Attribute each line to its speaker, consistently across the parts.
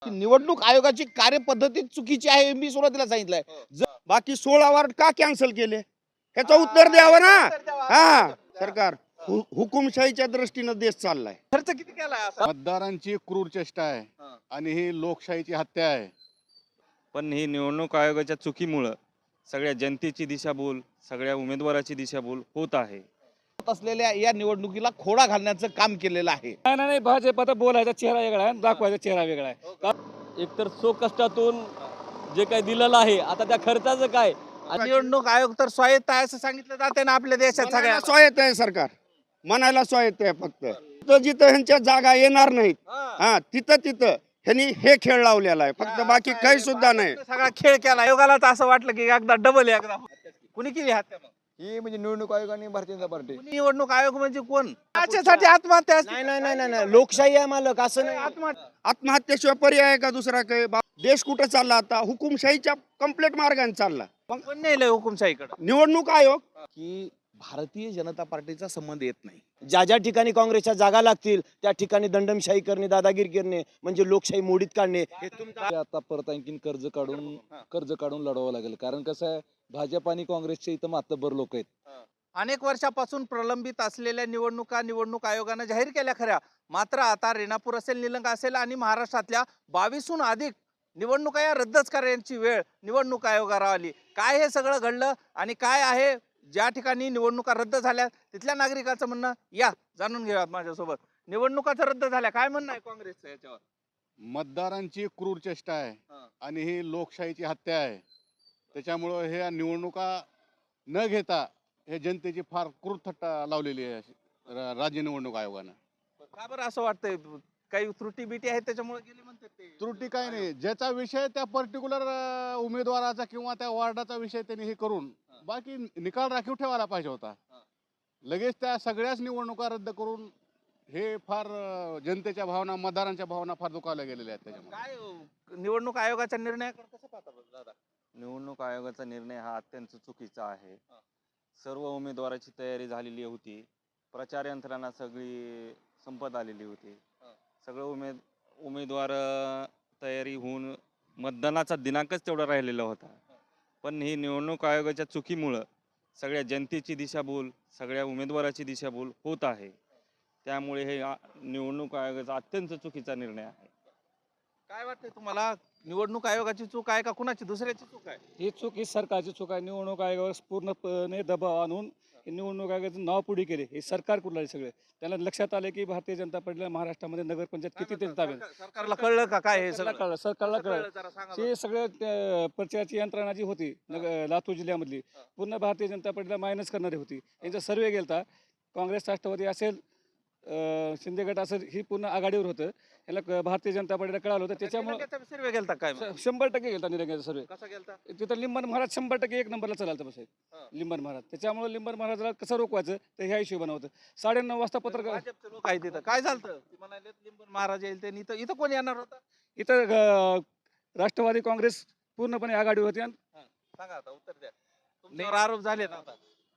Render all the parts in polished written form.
Speaker 1: की निवडणूक आयोगाची कार्यपद्धती चुकीची आहे हे मी सुरुवातीला सांगितलंय.
Speaker 2: बाकी 16 वार्ड का कॅन्सल केले ह्याचं उत्तर द्यावं ना. हा सरकार हुकुमशाहीच्या दृष्टीनं देश चाललाय.
Speaker 1: खर्च किती केलाय असा?
Speaker 3: मतदारांची क्रूर चेष्टा आहे आणि ही लोकशाहीची हत्या आहे.
Speaker 4: पण ही निवडणूक आयोगाच्या चुकीमुळं सगळ्या जनतेची दिशाभूल, सगळ्या उमेदवाराची दिशाभूल होत आहे.
Speaker 1: होत असलेल्या या निवडणुकीला खोडा घालण्याचं काम केलेलं आहे.
Speaker 5: नाही भाजप आता बोलायचा चेहरा वेगळा आहे, दाखवायचा चेहरा वेगळा आहे.
Speaker 6: एकतर सो कष्टातून जे काही दिलेलं आहे, आता त्या खर्चाचं काय?
Speaker 1: निवडणूक आयोग तर स्वायत्त आहे असं सांगितलं जाते ना आपल्या देशात. सगळ्या
Speaker 2: म्हणायला स्वायत्त आहे सरकार, म्हणायला स्वायत्त आहे. फक्त जिथं जिथं ह्यांच्या जागा येणार नाहीत हा तिथं ह्यांनी हे खेळ लावलेला आहे. फक्त बाकी काही सुद्धा नाही.
Speaker 1: सगळा खेळ केला. आयोगाला तर असं वाटलं की एकदा डबल एकदा कुणी केली हत्या मग?
Speaker 7: ही म्हणजे निवडणूक आयोग आणि भारतीय जनता पार्टी.
Speaker 1: निवडणूक आयोग म्हणजे कोण? त्याच्यासाठी आत्महत्या असते.
Speaker 7: नाही लोकशाही आहे मालक, असं नाही.
Speaker 2: आत्महत्येशिवाय पर्याय आहे का दुसरा काही? देश कुठं चालला आता? हुकुमशाहीच्या कम्प्लीट मार्गाने चालला.
Speaker 1: कोण नेलंय हुकुमशाहीकडे?
Speaker 2: निवडणूक आयोग
Speaker 1: की भारतीय जनता पार्टीचा संबंध येत नाही.
Speaker 7: ज्या ठिकाणी काँग्रेसच्या जागा लागतील त्या ठिकाणी दंडमशाही करणे, दादागिरी करणे म्हणजे लोकशाही मोडीत काढणे. हे
Speaker 8: आता परत आणखीन कर्ज काढून लढवावं लागेल. कारण कसं आहे, भाजप आणि काँग्रेसचे इथं मातब्बर लोक आहेत.
Speaker 1: अनेक वर्षापासून प्रलंबित असलेल्या निवडणूक आयोगानं जाहीर केल्या खऱ्या, मात्र आता रेणापूर असेल, निलंगा असेल आणि महाराष्ट्रातल्या 22हून अधिक निवडणुका या रद्दच करण्याची वेळ निवडणूक आयोगावर आली. काय हे सगळं घडलं आणि काय आहे ज्या ठिकाणी निवडणुका रद्द झाल्या तिथल्या नागरिकांचं म्हणणं, या जाणून घेऊयात माझ्यासोबत. निवडणुका रद्द झाल्या, काय म्हणणं आहे काँग्रेसचं याच्यावर?
Speaker 3: मतदारांची क्रूर चेष्टा आहे आणि ही लोकशाहीची हत्या आहे. त्याच्यामुळं हे निवडणुका न घेता हे जनतेची फार क्रूर थट्टा लावलेली आहे राज्य निवडणूक आयोगानं.
Speaker 1: का बरं असं वाटतंय? काही त्रुटी बिटी आहेत त्याच्यामुळे गेली म्हणतात ते?
Speaker 3: त्रुटी काय नाही, ज्याचा विषय त्या पर्टिक्युलर उमेदवाराचा किंवा त्या वार्डाचा विषय त्यांनी हे करून बाकी निकाल राखीव ठेवायला पाहिजे होता. लगेच त्या सगळ्याच निवडणुका रद्द करून हे फार जनतेच्या भावना, मतदारांच्या भावना फार दुखावल्या गेलेल्या आहेत. त्याच्यामुळे
Speaker 1: काय निवडणूक आयोगाच्या निर्णयाकडे कसं पाहता बरं दादा?
Speaker 4: निवडणूक आयोगाचा निर्णय हा अत्यंत चुकीचा आहे. सर्व उमेदवाराची तयारी झालेली होती, प्रचार यंत्रणा सगळी संपत आलेली होती. सगळं उमेदवार तयारी होऊन मतदानाचा दिनांकच तेवढा राहिलेला होता. पण ही निवडणूक आयोगाच्या चुकीमुळं सगळ्या जनतेची दिशाभूल, सगळ्या उमेदवाराची दिशाभूल होत आहे. त्यामुळे हे निवडणूक आयोगाचा अत्यंत चुकीचा निर्णय आहे.
Speaker 1: काय वाटतंय तुम्हाला? निवडणूक आयोगाची चूक आहे का कुणाची दुसऱ्याची चूक आहे?
Speaker 5: ही चूक ही सरकारची चूक आहे. निवडणूक आयोगावर पूर्णपणे दबाव आणून निवडणूक आयोगाचं नाव पुढे केले. हे सरकार कुठलं आहे सगळे. त्यांना लक्षात आले की भारतीय जनता पार्टीला महाराष्ट्रामध्ये नगरपंचायत किती ते ताब्यात.
Speaker 1: सरकारला कळलं का काय हे सगळं?
Speaker 5: कळलं, सरकारला कळलं.
Speaker 1: जरा सांगा
Speaker 5: हे सगळं प्रचाराची यंत्रणा जी होती लातूर जिल्ह्यामधली पूर्ण भारतीय जनता पार्टीला मायनस करणारी होती. यांचा सर्वे गेलता. काँग्रेस, राष्ट्रवादी असेल, शिंदे गट असेल, ही पूर्ण आघाडीवर होतं. याला भारतीय जनता पार्टीला कळालं होतं. त्याच्यामुळे
Speaker 1: सर्वे गेलता काय?
Speaker 5: 100% गेलता निरंग्याचा सर्वे.
Speaker 1: कसा गेलता?
Speaker 5: तिथं लिंबन महाराज 100% एक नंबरला चालतं बस लिंबन महाराज. त्याच्यामुळे लिंबन महाराजाला कसं रोखवायचं तर ह्या हिशोबानं होतं. 9:30 वाजता पत्रकार
Speaker 1: भाजपचे लोक आहे तिथं. काय झालं? ते म्हणाले लिंबन महाराज येईल ते. इथं कोण येणार होता?
Speaker 5: इथं राष्ट्रवादी काँग्रेस पूर्णपणे आघाडीवर होती.
Speaker 1: सांगा आता, उत्तर द्या. तुमच्यावर आरोप झाले आता.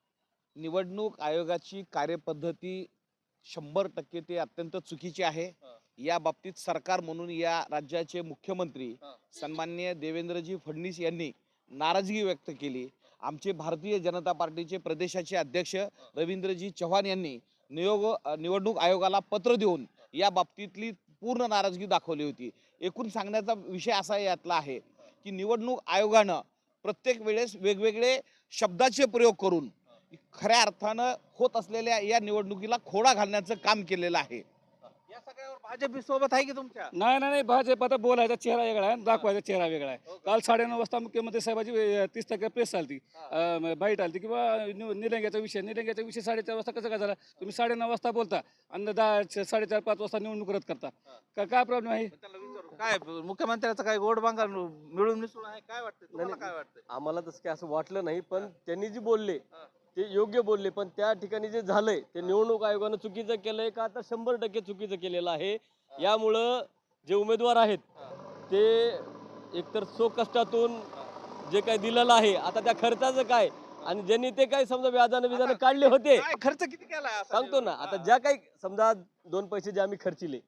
Speaker 1: निवडणूक आयोगाची कार्यपद्धती 100% ते अत्यंत चुकीची आहे. या बाबतीत सरकार म्हणून या राज्याचे मुख्यमंत्री सन्माननीय देवेंद्रजी फडणवीस यांनी नाराजगी व्यक्त केली. आमचे भारतीय जनता पार्टीचे प्रदेशाचे अध्यक्ष रवींद्रजी चव्हाण यांनी निवडणूक आयोगाला पत्र देऊन या बाबतीतली पूर्ण नाराजगी दाखवली होती. एकूण सांगण्याचा विषय असा यातला आहे की निवडणूक आयोगानं प्रत्येक वेळेस वेगवेगळे शब्दाचे प्रयोग करून खऱ्या अर्थानं होत असलेल्या या निवडणुकीला खोडा घालण्याचं काम केलेलं आहे. या सगळ्यावर भाजप सोबत आहे की तुमच्या?
Speaker 5: नाही भाजप आता बोलायचा चेहरा वेगळा आहे, दाखवायचा चेहरा वेगळा आहे. काल 9:30 वाजता मुख्यमंत्री साहेबाची 30% प्रेस आलती, बाईट आलती किंवा निलंग्याचा विषय 4:30 वाजता कसं काय झाला? तुम्ही 9:30 वाजता बोलता आणि 4:30-5 वाजता निवडणूक रद्द करता. काय प्रॉब्लेम आहे?
Speaker 1: काय मुख्यमंत्र्याचं काय गोड बांगा मिळून मिसळून आहे? काय वाटतं तुम्हाला? काय वाटतं?
Speaker 6: आम्हाला तसं काय असं वाटलं नाही, पण त्यांनी जे बोलले ते योग्य बोलले. पण त्या ठिकाणी जे झालंय ते निवडणूक आयोगानं चुकीचं केलंय का? आता 100% चुकीचं केलेलं आहे. यामुळं जे उमेदवार आहेत ते एकतर सो कष्टातून जे काही दिलेलं आहे, आता त्या खर्चाचं काय? आणि ज्यांनी ते काही समजा व्याजानं काढले होते,
Speaker 1: खर्च किती केला
Speaker 6: सांगतो ना. आता ज्या काही समजा 2 पैसे जे आम्ही खर्चिले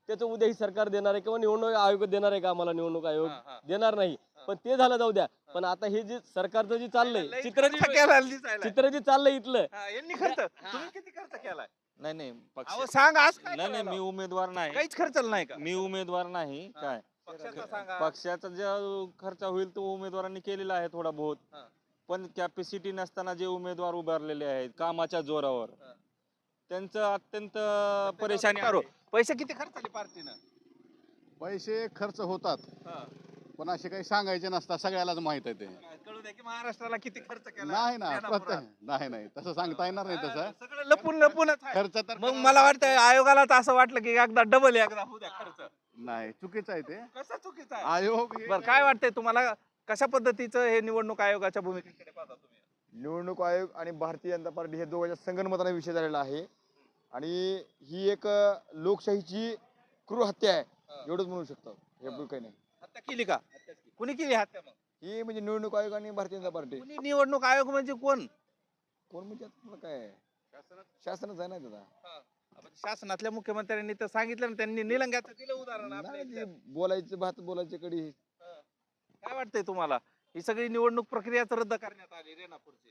Speaker 6: त्याचं उद्या ही सरकार देणार आहे किंवा निवडणूक आयोग देणार आहे का आम्हाला निवडणूक आयोग देणार नाही. पण ते झालं जाऊ द्या. पण आता हे जे सरकारचं जे चाललंय चित्र जे चाललंय इथलं
Speaker 1: तुम्ही किती खर्च केलाय?
Speaker 4: नाही नाही
Speaker 1: अहो सांग आज काय
Speaker 4: नाही
Speaker 1: करायला?
Speaker 4: मी उमेदवार नाही.
Speaker 1: काहीच खर्च नाही का?
Speaker 4: मी उमेदवार नाही. काय
Speaker 1: पक्षाचा सांगा.
Speaker 4: पक्षाचा जो खर्च होईल तो उमेदवारांनी केलेला आहे थोडा बहुत.
Speaker 1: हा.
Speaker 4: पण कॅपॅसिटी नसताना जे उमेदवार उभारलेले आहेत कामाच्या जोरावर
Speaker 1: हा.
Speaker 4: त्यांचं अत्यंत परेशानी
Speaker 1: करू.
Speaker 4: आहे.
Speaker 1: पैसे किती खर्च आले पार्टीनं?
Speaker 3: पैसे खर्च होतात
Speaker 1: हा.
Speaker 3: पण असे काही सांगायचे नसतात, सगळ्यालाच माहित आहे ते.
Speaker 1: कळू द्या की महाराष्ट्राला किती खर्च केला?
Speaker 3: नाही ना
Speaker 1: रेणापुरात.
Speaker 3: प्रत्येक नाही तसं सांगता येणार नाही तसं.
Speaker 1: सगळं लपून लपूनच आहे.
Speaker 3: खर्च तर
Speaker 1: मग मला वाटतं आयोगाला तर असं वाटलं की एकदा डबल एकदा होऊ द्या खर्च.
Speaker 3: नाही, चुकीचं आहे ते.
Speaker 1: कसं चुकीचं आहे?
Speaker 3: आयोग हे
Speaker 1: बरं काय वाटतंय तुम्हाला, कशा पद्धतीचं हे निवडणूक आयोगाच्या भूमिकेकडे पाहता तुम्ही?
Speaker 9: निवडणूक आयोग आणि भारतीय जनता पार्टी हे दोघांच्या संगनमताने विषय झालेला आहे आणि ही एक लोकशाहीची क्रूर हत्या आहे एवढंच म्हणू शकतो. हे काही नाही.
Speaker 1: हत्या केली का? कुणी केली हत्या? मग
Speaker 9: ही म्हणजे निवडणूक आयोग आणि भारतीय जनता पार्टी.
Speaker 1: कुणी निवडणूक आयोग म्हणजे कोण?
Speaker 9: कोण म्हणजे आता तुला काय शासनच आहे ना त्याचा.
Speaker 1: आपण शासनातल्या मुख्यमंत्र्यांनी तर सांगितलं ना, त्यांनी निलंग्याचं दिलं उदाहरण आपल्या
Speaker 9: नाही,
Speaker 1: इथल्या.
Speaker 9: ते बोलायचं भात बोलायचे कडी.
Speaker 1: काय वाटतंय तुम्हाला, ही सगळी निवडणूक प्रक्रियाच रद्द करण्यात आली रेणापूरची?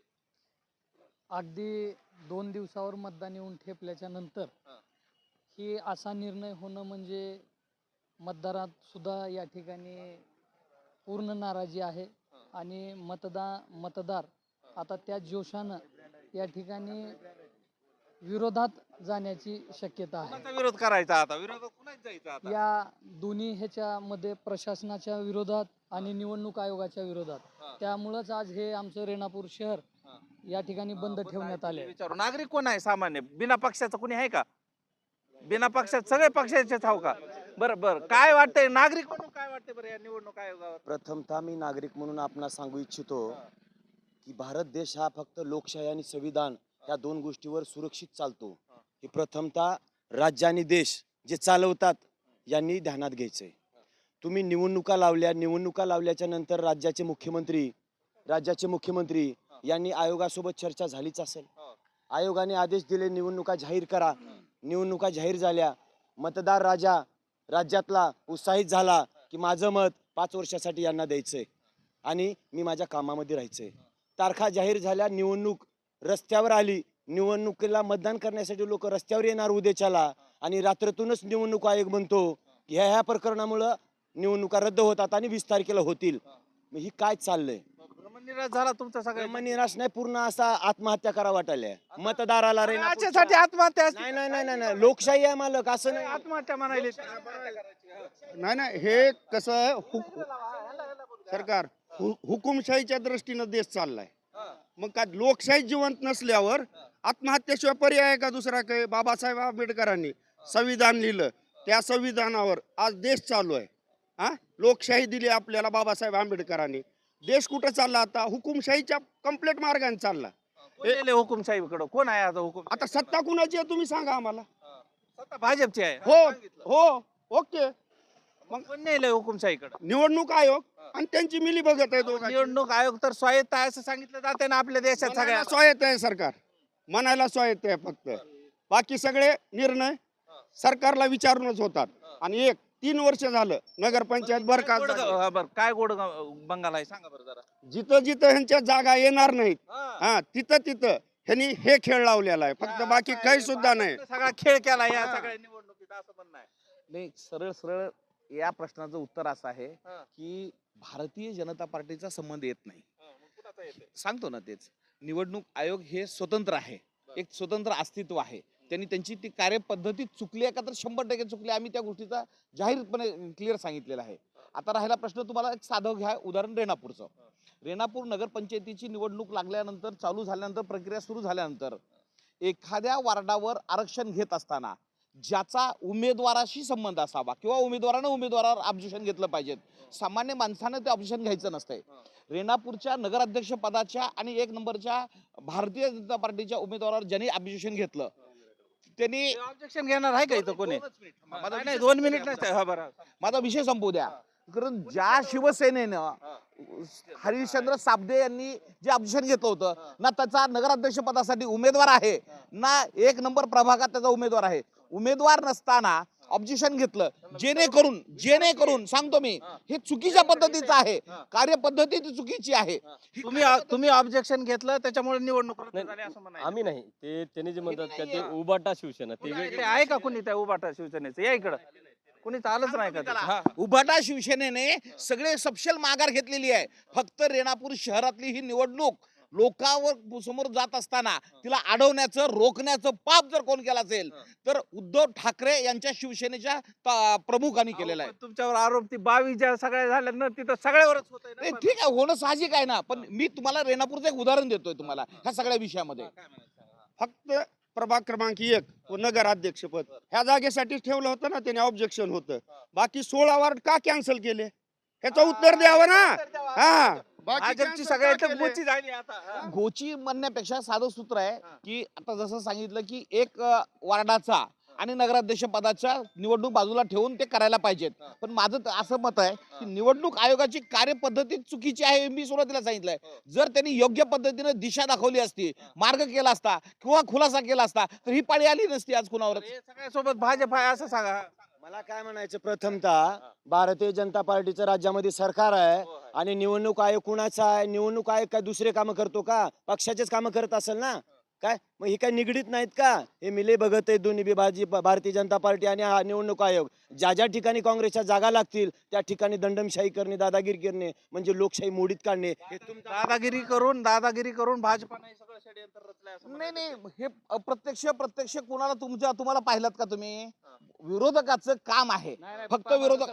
Speaker 10: अगदी 2 दिवसावर मतदान येऊन ठेपल्याच्या नंतर ही असा निर्णय होणं म्हणजे मतदारात सुद्धा या ठिकाणी पूर्ण नाराजी आहे आणि मतदार आता त्या जोशानं या ठिकाणी विरोधात जाण्याची शक्यता आहे.
Speaker 1: कोणाचा विरोध करायचा आता? विरोधात कुणाच जायचं आता?
Speaker 10: या दोन्ही ह्याच्यामध्ये प्रशासनाच्या विरोधात आणि निवडणूक आयोगाच्या विरोधात. त्यामुळंच आज हे आमचं रेणापूर शहर या ठिकाणी बंद ठेवण्यात आले.
Speaker 1: विचारू, नागरिक कोण आहे सामान्य? बिना पक्षाचं कोणी आहे का? बिना पक्षात सगळे पक्षाचेच हाव का? बरं बरं, काय वाटतंय नागरिक म्हणून, काय वाटतंय बरं या निवडणूक आयोगावर?
Speaker 7: प्रथमतः मी नागरिक म्हणून आपणास सांगू इच्छितो की भारत देश हा फक्त लोकशाही आणि संविधान या दोन गोष्टीवर सुरक्षित चालतो. हे प्रथमतः राज्य आणि देश जे चालवतात यांनी ध्यानात घ्यायचंय. तुम्ही निवडणुका लावल्याच्या नंतर राज्याचे मुख्यमंत्री यांनी आयोगासोबत चर्चा झालीच असेल. आयोगाने आदेश दिले निवडणुका जाहीर करा. निवडणुका जाहीर झाल्या. मतदार राज्यातला उत्साहित झाला की माझं मत 5 वर्षासाठी यांना द्यायचंय आणि मी माझ्या कामामध्ये राहायचंय. तारखा जाहीर झाल्या, निवडणूक रस्त्यावर आली. निवडणुकीला मतदान करण्यासाठी लोक रस्त्यावर येणार उद्याच्याला आणि रात्रीतूनच निवडणूक आयोग म्हणतो की ह्या प्रकरणामुळं निवडणुका रद्द होतात आणि 20 तारखेला होतील. मग ही काय चाललंय?
Speaker 1: ब्रह्मनिराश झाला तुमचा सगळं.
Speaker 7: निराश नाही, पूर्ण असा आत्महत्या करा वाटायला मतदाराला.
Speaker 1: याच्यासाठी आत्महत्या?
Speaker 7: नाही, लोकशाही आहे मालक, असं नाही.
Speaker 1: आत्महत्या म्हणायली.
Speaker 2: नाही हे कसं आहे, सरकार हुकुमशाहीच्या दृष्टीनं देश चाललाय. मग का लोकशाही जिवंत नसल्यावर आत्महत्येशिवाय पर्याय आहे का दुसरा? काही बाबासाहेब आंबेडकरांनी संविधान लिहिलं, त्या संविधानावर आज देश चालू आहे. लोकशाही दिली आपल्याला बाबासाहेब आंबेडकरांनी. देश कुठं चालला आता? हुकुमशाहीच्या कंप्लीट मार्गाने चालला.
Speaker 1: हुकुमशाहीकडे कोण आहे आता? हुकुम
Speaker 2: आता सत्ता कुणाची आहे तुम्ही सांगा आम्हाला.
Speaker 1: सत्ता भाजपची आहे.
Speaker 2: हो ओके.
Speaker 1: मग कोण नेलंय हुकुमशाहीकडे?
Speaker 2: निवडणूक आयोग आणि त्यांची मिली बघत आहे दोघांची.
Speaker 1: निवडणूक आयोग तर स्वायत्त आहे असं सांगितलं जाते ना आपल्या देशात. सगळ्या
Speaker 2: म्हणायला स्वायत्त आहे सरकार, म्हणायला स्वायत्त आहे फक्त. बाकी सगळे निर्णय सरकारला विचारूनच होतात. आणि 3 वर्ष झालं नगरपंचायत बरखास्त.
Speaker 1: काय गोड बंगाल आहे सांगा बरं जरा.
Speaker 2: जिथं जिथं ह्यांच्या जागा येणार नाहीत तिथं ह्यांनी हे खेळ लावलेला आहे फक्त. बाकी काही सुद्धा नाही.
Speaker 1: सगळा खेळ केला या सगळ्या निवडणुकीत असं म्हणणं आहे. नाही, सरळ या प्रश्नाचं उत्तर असं आहे की भारतीय जनता पार्टीचा संबंध येत नाही. सांगतो ना तेच. निवडणूक आयोग हे स्वतंत्र आहे, एक स्वतंत्र अस्तित्व आहे. त्यांनी त्यांची ती कार्यपद्धती चुकली आहे का तर 100% चुकली. आम्ही त्या गोष्टीचा जाहीरपणे क्लिअर सांगितलेला आहे. आता राहिला प्रश्न, तुम्हाला एक साधं घ्या उदाहरण रेणापूरचं. रेणापूर नगरपंचायतीची निवडणूक लागल्यानंतर, चालू झाल्यानंतर, प्रक्रिया सुरू झाल्यानंतर एखाद्या वार्डावर आरक्षण घेत असताना ज्याचा उमेदवाराशी संबंध असावा किंवा उमेदवारानं उमेदवारावर ऑब्जेक्शन घेतलं पाहिजे, सामान्य माणसानं ते ऑब्जेक्शन घ्यायचं नसतंय. रेणापूरच्या नगराध्यक्ष पदाच्या आणि 1 नंबरच्या भारतीय जनता पार्टीच्या उमेदवारावर ज्यांनी ऑब्जेक्शन घेतलं त्यांनी ऑब्जेक्शन घेणार आहे का इथं कोणी? नाही 2 मिनिट नाही. माझा विषय संपू द्या. कारण ज्या शिवसेनेनं हरिश्चंद्र साबदे यांनी जे ऑब्जेक्शन घेतलं होतं ना, त्याचा नगराध्यक्ष पदासाठी उमेदवार आहे ना 1 नंबर प्रभागात त्याचा उमेदवार आहे. उमेदवार नसताना ऑब्जेक्शन घेतलं, जेणेकरून सांगतो मी, हे चुकीच्या पद्धतीचं आहे, कार्यपद्धती ती चुकीची आहे.
Speaker 11: तुम्ही ऑब्जेक्शन घेतलं त्याच्यामुळे निवडणूक रद्द झाली असं म्हणायचं.
Speaker 6: आम्ही नाही, ते त्यांनी जे म्हणतात का ते उबाटा शिवसेना ते
Speaker 11: इकडे
Speaker 6: वेगळे.
Speaker 11: आहे का कुणी त्या उभाटा शिवसेनेचं? या इकडं कुणी आलंच नाही का ते? हा.
Speaker 1: उभाटा शिवसेनेने सगळे सपशेल माघार घेतलेली आहे. फक्त रेणापूर शहरातली ही निवडणूक लोकांवर समोर जात असताना तिला अडवण्याचं, रोखण्याचं पाप जर कोण केलं असेल तर उद्धव ठाकरे यांच्या शिवसेनेच्या प्रमुखांनी केलेलं आहे.
Speaker 11: पण तुमच्यावर आरोप ती 22 ज्या सगळ्या झाल्या ना तिथं सगळ्यावरच होतंय ना.
Speaker 1: नाही, ठीक आहे, होणं साहजिक आहे ना, पण मी तुम्हाला रेणापूरचं एक उदाहरण देतोय तुम्हाला ह्या सगळ्या विषयामध्ये.
Speaker 2: फक्त प्रभाग क्रमांक 1 व नगराध्यक्षपद ह्या जागेसाठी ठेवलं होतं ना, त्याने ऑब्जेक्शन होतं. बाकी 16 वार्ड का कॅन्सल केले ह्याचं उत्तर द्यावं ना. हा, बाकी
Speaker 11: भाजपची
Speaker 2: cancel
Speaker 11: सगळ्यात
Speaker 2: का केले?
Speaker 11: गोची झाली आता. हा.
Speaker 1: गोची म्हणण्यापेक्षा साधं सूत्र आहे की आता जसं सांगितलं की एक वार्डाचा आणि नगराध्यक्ष पदाच्या निवडणूक बाजूला ठेवून ते करायला पाहिजेत. पण माझं असं मत आहे की निवडणूक आयोगाची कार्यपद्धती चुकीची आहे हे मी सुरुवातीला सांगितलंय. जर त्यांनी योग्य पद्धतीने दिशा दाखवली असती, मार्ग केला असता किंवा खुलासा केला असता तर ही पाळी आली नसती आज कुणावर.
Speaker 11: हे सगळ्यासोबत भाजप आहे असं सांगा.
Speaker 7: मला काय म्हणायचं, प्रथमतः भारतीय जनता पार्टीचं राज्यामध्ये सरकार आहे आणि निवडणूक आयोग कुणाचा आहे? निवडणूक आयोग काय दुसरे कामं करतो का? पक्षाचेच कामं करत असेल ना. काय मग हे काय निगडीत नाहीत का? हे मिले बघत आहे दोन्ही भारतीय जनता पार्टी आणि हा निवडणूक आयोग. ज्या ज्या ठिकाणी काँग्रेसच्या जागा लागतील त्या ठिकाणी दंडमशाही करणे, दादागिरी करणे म्हणजे लोकशाही मोडीत काढणे. हे
Speaker 11: दादागिरी करून भाजपाने सगळं षडयंत्र रचलंय असं
Speaker 1: नाही
Speaker 11: म्हणायचं.
Speaker 1: नाही, हे प्रत्यक्ष कुणाला तुम्हाला पाहिलं का तुम्ही? विरोधकाचं काम आहे फक्त विरोधक.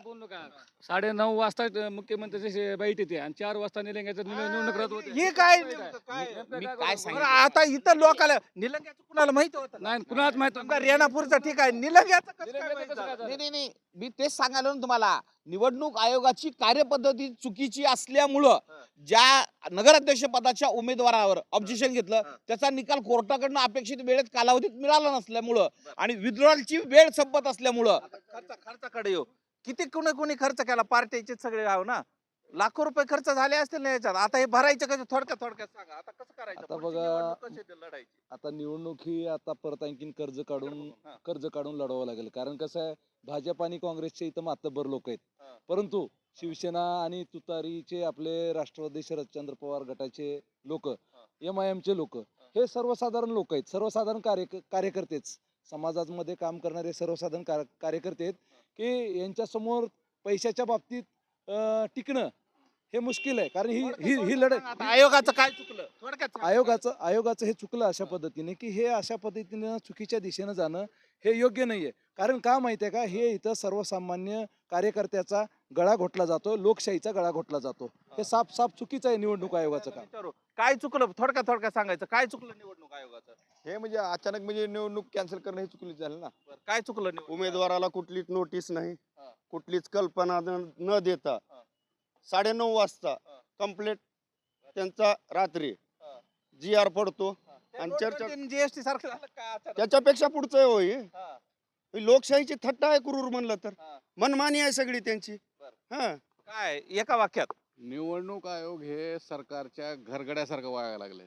Speaker 5: 9:30 वाजता मुख्यमंत्र्याची बैठक येते आणि 4 वाजता निलंग्याचं निवडणूक रद्द होते.
Speaker 11: हे काय नेमकं काय?
Speaker 1: मी काय
Speaker 11: बरं,
Speaker 1: सांगितलं
Speaker 11: आता इथं लोकांना निलंग्याचं कुणाला माहिती होतं?
Speaker 5: नाही कुणालाच माहित
Speaker 11: समजा रेणापूरचं ठीक आहे, निलंग्याचं कसं काय
Speaker 5: निलंग्याचं
Speaker 11: माहित
Speaker 5: कसं काय
Speaker 11: झालं?
Speaker 1: नाही, मी तेच सांगायला ना तुम्हाला. निवडणूक आयोगाची कार्यपद्धती चुकीची असल्यामुळं ज्या नगराध्यक्ष पदाच्या उमेदवारावर ऑब्जेक्शन घेतलं त्याचा निकाल कोर्टाकडनं अपेक्षित वेळेत कालावधीत मिळाला नसल्यामुळं आणि विड्रॉलची वेळ संपत असल्यामुळं
Speaker 11: खर्चाकडे येऊ. किती कोणी खर्च केला? पार्टीचे सगळे आहो ना, लाखो रुपये खर्च झाले असतील ना याच्यात. आता हे भरायचं कसं? थोडक्यात सांगा आता कसं करायचं?
Speaker 8: आता
Speaker 11: पुढची
Speaker 8: बघा,
Speaker 11: निवडणूक कशी लढायची?
Speaker 8: आता निवडणूक ही आता परत आणखीन कर्ज काढून लढवावं लागेल. कारण कसं आहे, भाजप आणि काँग्रेसचे इथं मातब्बर लोक आहेत, परंतु शिवसेना आणि तुतारीचे आपले राष्ट्रवादी शरदचंद्र पवार गटाचे लोक, MIM-चे लोक, हे सर्वसाधारण लोक आहेत, सर्वसाधारण कार्यकर्तेच, समाजामध्ये काम करणारे सर्वसाधारण कार्यकर्ते आहेत की यांच्यासमोर पैशाच्या बाबतीत टिकणं हे मुश्किल आहे. कारण ही लढाई
Speaker 11: आता आयोगाचं काय चुकलं? थोडक्यात सांगा.
Speaker 8: आयोगाचं हे चुकलं अशा पद्धतीने की हे अशा पद्धतीने चुकीच्या दिशेनं जाणं हे योग्य नाहीये. कारण का माहितीये का, हे इथं सर्वसामान्य कार्यकर्त्याचा गळा घोटला जातो, लोकशाहीचा गळा घोटला जातो. हे साफ चुकीचं आहे निवडणूक आयोगाचं काम.
Speaker 11: विचारू. काय चुकलं? थोडक्यात सांगायचं काय चुकलं निवडणूक आयोगाचं?
Speaker 9: हे म्हणजे अचानक म्हणजे निवडणूक कॅन्सल करणं हे चुकीचं झालं ना.
Speaker 11: बरं, काय चुकलं निवडणूक
Speaker 2: उमेदवाराला कुठलीच नोटीस नाही,
Speaker 11: हा.
Speaker 2: कुठलीच कल्पना न देता 9:30 वाजता कंप्लेंट त्यांचा रात्री
Speaker 11: हा.
Speaker 2: GR पडतो
Speaker 11: ते
Speaker 2: आणि
Speaker 11: नोटबंदी
Speaker 2: चर्चा
Speaker 11: आणि GST सारखं झालं काय अचानक?
Speaker 2: त्याच्यापेक्षा पुढचं होय.
Speaker 11: हा.
Speaker 2: लोकशाहीची थट्टा आहे क्रूर म्हणलं तर.
Speaker 11: हा.
Speaker 2: मनमानी आहे सगळी त्यांची. हा,
Speaker 11: काय एका वाक्यात?
Speaker 3: निवडणूक आयोग हे सरकारच्या घरगड्यासारखं वागायला लागले.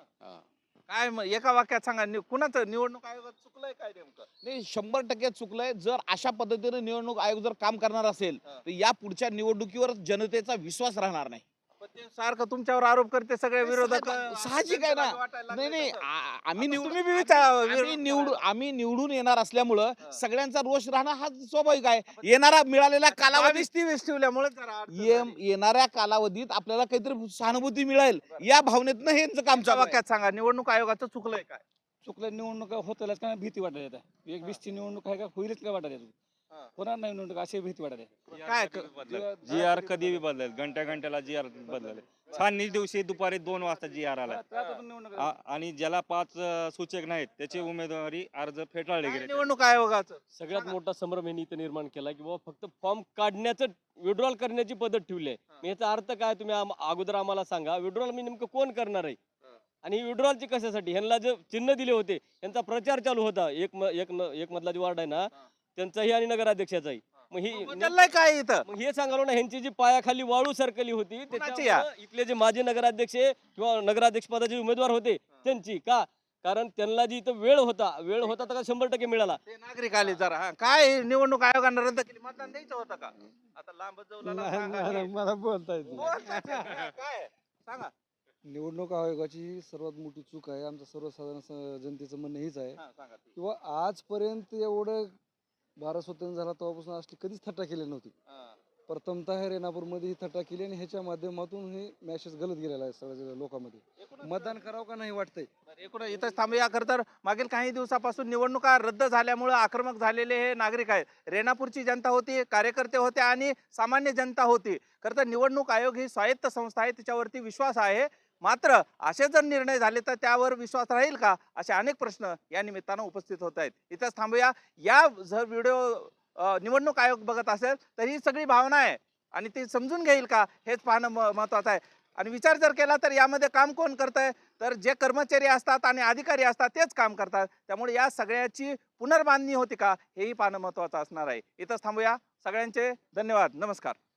Speaker 11: काय मग एका वाक्यात सांगा, कुणाचं निवडणूक आयोगात चुकलंय काय नेमकं?
Speaker 1: नाही, 100% चुकलंय. जर अशा पद्धतीने निवडणूक आयोग जर काम करणार असेल तर या पुढच्या निवडणुकीवर जनतेचा विश्वास राहणार नाही.
Speaker 11: पण ते सारखं तुमच्यावर आरोप करते सगळे विरोधक.
Speaker 1: साहजिक आहे ना. नाही, आम्ही
Speaker 11: तुम्ही बी विचार-
Speaker 1: आम्ही निवडून येणार असल्यामुळं सगळ्यांचा रोष राहणं हा स्वाभाविक आहे. येणारा मिळालेला कालावधी
Speaker 11: 22-23 ठेवल्यामुळे जरा अडचण झाली.
Speaker 1: येणाऱ्या कालावधीत आपल्याला काहीतरी सहानुभूती मिळेल या भावनेतनं हे यांचं काम
Speaker 11: एका
Speaker 1: चालू आहे.
Speaker 11: वाक्यात सांगा निवडणूक आयोगाचं चुकलंय काय?
Speaker 5: चुकल्या निवडणुका होतच का भीती वाटत येतात. 20ची निवडणूक आहे का होईलच का वाटत येत,
Speaker 11: हा.
Speaker 5: होणार नाही निवडणूक अशी भीती वाटत आहे.
Speaker 11: काय
Speaker 4: GR कधी बी बदलेल, घंट्याला GR बदलेल. छाननी दिवशी दुपारी 2 वाजता GR आला. आणि ज्याला 5 सूचक नाहीत त्याची उमेदवारी अर्ज फेटाळले
Speaker 11: काय
Speaker 4: गेले.
Speaker 11: निवडणूक आयोगाचं
Speaker 6: सगळ्यात मोठा संभ्रम यांनी इथं निर्माण केला की बाबा फक्त फॉर्म काढण्याचं विड्रॉल करण्याची पद्धत ठेवली आहे. याचा अर्थ काय तुम्ही अगोदर आम्हाला सांगा, विड्रॉल मी नेमकं कोण करणार आहे आणि विड्रॉलची कशासाठी? ह्यांना जे चिन्ह दिले होते त्यांचा प्रचार चालू होता. एक मधला जो वार्ड आहे ना त्यांचाही आणि नगराध्यक्षाचाही. मग ही
Speaker 11: बदललंय काय इथं?
Speaker 6: मग हे सांगालो ना, ह्यांची जी पायाखाली वाळू सरकली होती
Speaker 11: कोणाची
Speaker 6: त्याच्यामुळं इथले जे माजी नगराध्यक्ष किंवा नगराध्यक्ष पदाचे उमेदवार होते त्यांची का कारण त्यांना जी इथं वेळ होता तर 100% मिळाला.
Speaker 11: ते नागरिक आले जरा हा. काय निवडणूक आयोगानं रद्द केली, मतदान द्यायचं होतं का? आता लांब जाऊ
Speaker 8: मला बोलता येत
Speaker 11: काय सांगा.
Speaker 8: निवडणूक आयोगाची सर्वात मोठी चूक आहे. आमचं सर्वसाधारण जनतेचं म्हणणं हेच आहे
Speaker 11: हा, सांगा ते.
Speaker 8: किंवा आजपर्यंत एवढं भारत स्वतंत्र झाला तेव्हापासून असली कधीच थट्टा केली नव्हती.
Speaker 11: हा.
Speaker 8: प्रथमतः हे रेणापूरमध्ये ही थट्टा केली आणि ह्याच्या माध्यमातून हे मॅसेज गलत गेलेला आहे सगळ्या लोकांमध्ये. मतदान करावं का नाही वाटतंय.
Speaker 11: बरं, एकूण इथंच थांबूया. खरं तर मागील काही दिवसापासून निवडणुका रद्द झाल्यामुळे आक्रमक झालेले हे नागरिक आहेत. रेणापूरची जनता होती, कार्यकर्ते होते आणि सामान्य जनता होती. खरं तर निवडणूक आयोग ही स्वायत्त संस्था आहे, तिच्यावरती विश्वास आहे. मात्र असे जर निर्णय झाले तर त्यावर विश्वास राहील का, असे अनेक प्रश्न या निमित्तानं उपस्थित होत आहेत. इथंच थांबूया. या जर व्हिडिओ निवडणूक आयोग बघत असेल तर ही सगळी भावना आहे आणि ती समजून घेईल का हेच पाहणं महत्वाचं आहे. आणि विचार जर केला तर यामध्ये काम कोण करतंय, तर जे कर्मचारी असतात आणि अधिकारी असतात तेच काम करतात. त्यामुळे या सगळ्याची पुनर्बांधणी होती का हेही पाहणं महत्वाचं असणार आहे. इथंच थांबूया. सगळ्यांचे धन्यवाद. नमस्कार.